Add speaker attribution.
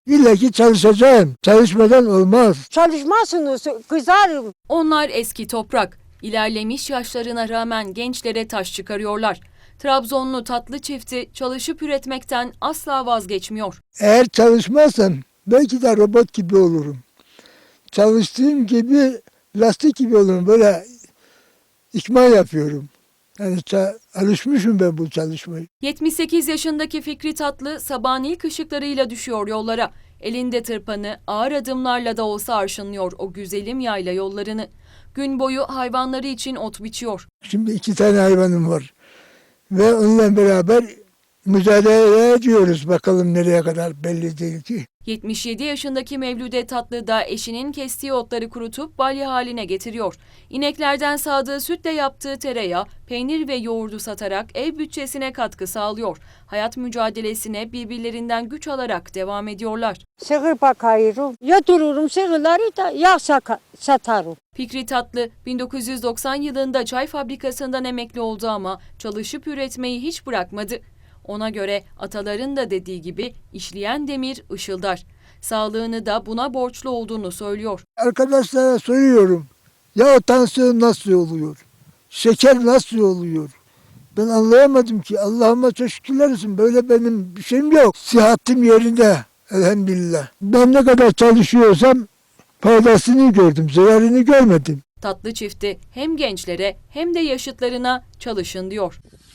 Speaker 1: İlla ki çalışacağım. Çalışmadan olmaz.
Speaker 2: Çalışmazsınız, kızarım.
Speaker 3: Onlar eski toprak. İlerlemiş yaşlarına rağmen gençlere taş çıkarıyorlar. Trabzonlu tatlı çifti çalışıp üretmekten asla vazgeçmiyor.
Speaker 1: Eğer çalışmazsam belki de robot gibi olurum. Çalıştığım gibi lastik gibi olurum. Böyle ikmal yapıyorum. Yani alışmışım ben bu çalışmayı.
Speaker 3: 78 yaşındaki Fikri Tatlı sabahın ilk ışıklarıyla düşüyor yollara. Elinde tırpanı ağır adımlarla da olsa arşınlıyor o güzelim yayla yollarını. Gün boyu hayvanları için ot biçiyor.
Speaker 1: Şimdi 2 tane hayvanım var. Ve onunla beraber mücadele ediyoruz. Bakalım nereye kadar belli değil ki.
Speaker 3: 77 yaşındaki Mevlüde Tatlı da eşinin kestiği otları kurutup balya haline getiriyor. İneklerden sağdığı sütle yaptığı tereyağı, peynir ve yoğurdu satarak ev bütçesine katkı sağlıyor. Hayat mücadelesine birbirlerinden güç alarak devam ediyorlar.
Speaker 2: Sığır bakıyorum. Yatırırım sığırları da yağ satarım.
Speaker 3: Fikri Tatlı 1990 yılında çay fabrikasından emekli oldu ama çalışıp üretmeyi hiç bırakmadı. Ona göre ataların da dediği gibi işleyen demir ışıldar. Sağlığını da buna borçlu olduğunu söylüyor.
Speaker 1: Arkadaşlara soruyorum. Ya tansiyon nasıl oluyor? Şeker nasıl oluyor? Ben anlayamadım ki. Allah'ıma çok şükürler olsun. Böyle benim bir şeyim yok. Sıhhatim yerinde. Elhamdülillah. Ben ne kadar çalışıyorsam faydasını gördüm. Zararını görmedim.
Speaker 3: Tatlı çifti hem gençlere hem de yaşıtlarına çalışın diyor.